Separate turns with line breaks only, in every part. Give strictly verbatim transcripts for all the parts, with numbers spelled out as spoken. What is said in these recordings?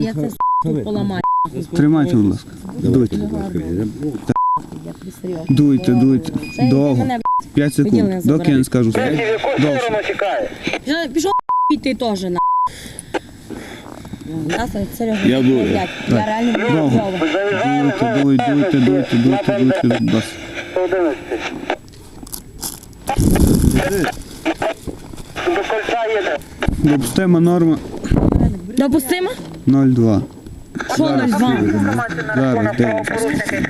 Я це тут поламаю.
Тримайте, будь ласка. Дуйте. Дуйте, дуйте. Довго. П'ять секунд. Доки я не скажу. Довше.
Пішов ти теж, на. Серйозно,
Я буду.
Я реально буду.
Довго. Дуйте, дуйте, дуйте, дуйте, дуйте, дуйте, дуйте.
До кольця їде.
Допустима норма
Допустимо?
нуль два.
Що нуль два?
Зараз дивимося.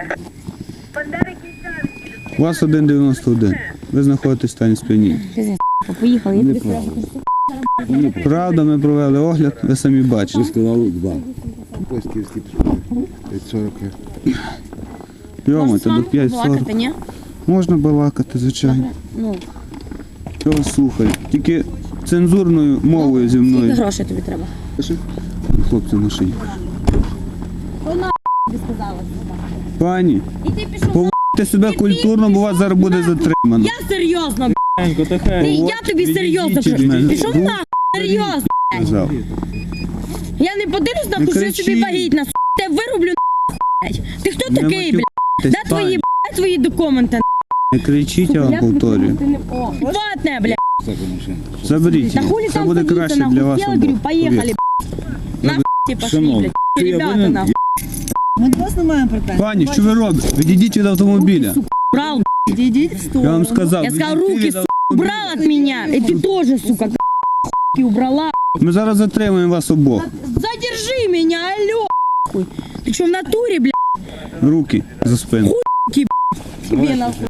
У вас один дев'яносто один. Ви знаходитесь в стані сп'яніння.
Поїхали, я тобі скажу.
Правда, ми провели огляд, ви самі бачите.
Ви сказали два. Пластівські п'ять сорок.
Йомайте, до п'ять сорок.
Балакати, ні?
Можна балакати, звичайно.
Ну,
Я вас слухаю. Тільки цензурною мовою зі
скільки
мною.
грошей тобі треба?
Хлопці в машині.
Що на тобі сказала?
Пані,
І ти пішов на...
поводьте себе культурно, бо вас зараз буде затримано.
Я серйозно, б***. Ти, я тобі серйозно
Відійдіть від мене.
пішов на серйозно.
Сказав.
Я не подивлюсь на
Не
що я собі
кричіть.
вагітна, с***. Те вироблю на. Ти хто
Не
такий, блядь? Де
матюкайтесь,
твої,
пані.
блядь, твої документи?
Не кричіть, я вам повторюю.
Ватне, блядь.
Заберіть
Та
її.
хулі
Це
там
буде
садиться,
краще
нахуй.
для вас
Села, говорю,
обох.
поїхали,
Повірте.
блядь. Нахуй пошли,
Шановні,
блядь.
я
Ребята,
винен,
нахуй.
Ми до вас не маємо претензій.
Пані, що ви робите? Відійдіть від автомобіля.
Брал,
Відійдіть в сторону.
Я вам сказав,
я сказал,
відійдіть
руки,
від
сука, убрал от меня. И ты тоже, сука, хуй убрала.
Ми зараз затримаємо вас обох.
Задержи меня, алло, хуй. Ты что, в натуре, блядь,
Руки за спину.
тебе нахуй?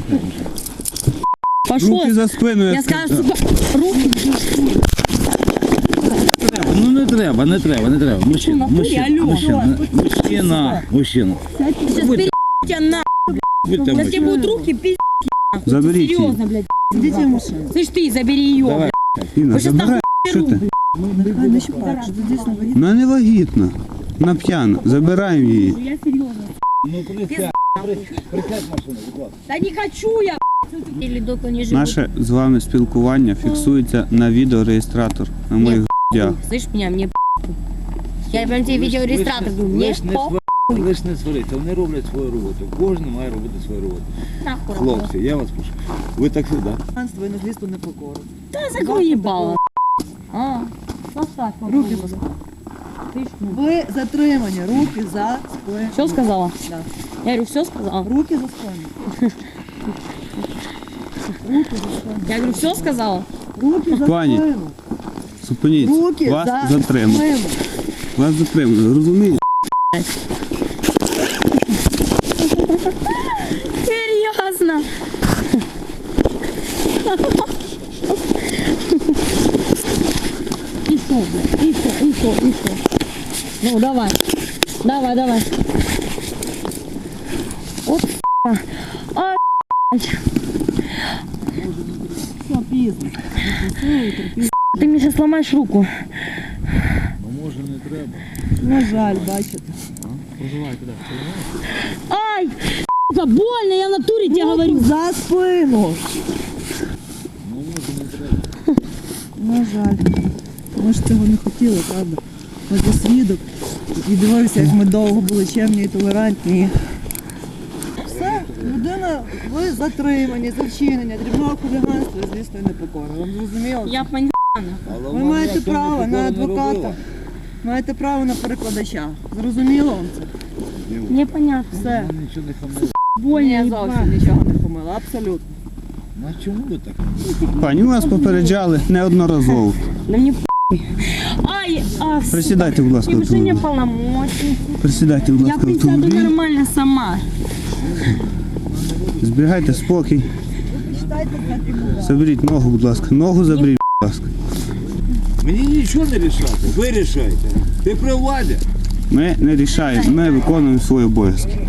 Пошел.
Руки за спину.
Я
Я
сказала,
сказав.
сука, руки.
Ну не треба, не треба, не треба. Мужчина,
натурі,
мужчина,
алло.
мужчина, мужчина, мужчина.
Сейчас перебью тебя на.
Будьте
Сейчас тебе
мужчина.
будут руки пиздить.
Заберіть її.
Серьезно, блядь.
Ідіть в машину.
Слышь, ты, забери ее,
Давай.
блядь.
Інна,
Ви щас
забирай. Що ти?
Нехай не щупають, що дійсно вагітна.
Вона не вагітна. Вона п'яна. Забираємо її.
Я серьезно.
Ну присядь, присядь машину, будь ласка.
Да не хочу я, блядь. Или дока не живу.
Наше з вами спілкування фіксується на відеореєстратор на моїх грудях.
Слышь меня, мне похуй. Я прям тебе видеорегистратор говорю, мне
Лиш не
похуй.
свариться, лиш не свариться, вони роблять свою роботу. Кожен має робити свою роботу.
Нахуй.
Хлопці, я вас прошу. Ви так сюди.
Панство і наслідство непокору.
Да закрой ебало. А, поставь.
Руки поставь.
Ты ж, ну.
Ви затримані, руки за спину.
Все сказала?
Да.
Я говорю, все сказала?
Руки за спину. Руки за спину.
Я говорю, все сказала?
Руки за
Пані.
спину.
Зупиніться.
Руки
Вас
за
затримали.
спину.
Вас затримали. Розумієте?
Серьезно? И что, блядь? И что, и что, и что? Ну, давай. Давай, давай. Оп, а, блядь.
Все, пізно.
Ты мне сейчас сломаешь руку.
Ну може не треба.
На жаль, бачите.
Ай, сука, больно, я в натуре тебе говорю.
За спину.
Ну може не треба.
На жаль. Ми ж цього не хотіли, правда? Ми за свідок. І дивився, як ми довго були чемні і толерантні. Все, людина, ви затримані за вчинення дрібного хуліганства, звісно, і непокора. Вам зрозуміло?
Я поняла.
Але
Ви
вона
маєте
ніяк цього
право на
такого не
адвоката.
робила.
Маєте право на перекладача. Зрозуміло вам це?
Мне понятно.
Все.
Вона нічого не хамила.
Больно,
Я
ебать.
зовсім нічого не помила, абсолютно.
Ну а чому ви так?
Пані, ми вас попереджали неодноразово.
Да мне похуй. Ай, а, сука.
Присідайте, будь ласка, в
Превышение
автомобіль.
полномочий.
Присідайте, будь
Я
ласка, в
присяду
автомобіль.
нормально сама.
Зберігайте спокій.
Читайте на фігуру.
Заберіть ногу, будь ласка. Ногу заберіть, будь ласка.
Мені нічого не рішати, ви рішаєте. Ти при владі.
Ми не рішаємо, ми виконуємо свої обов'язки.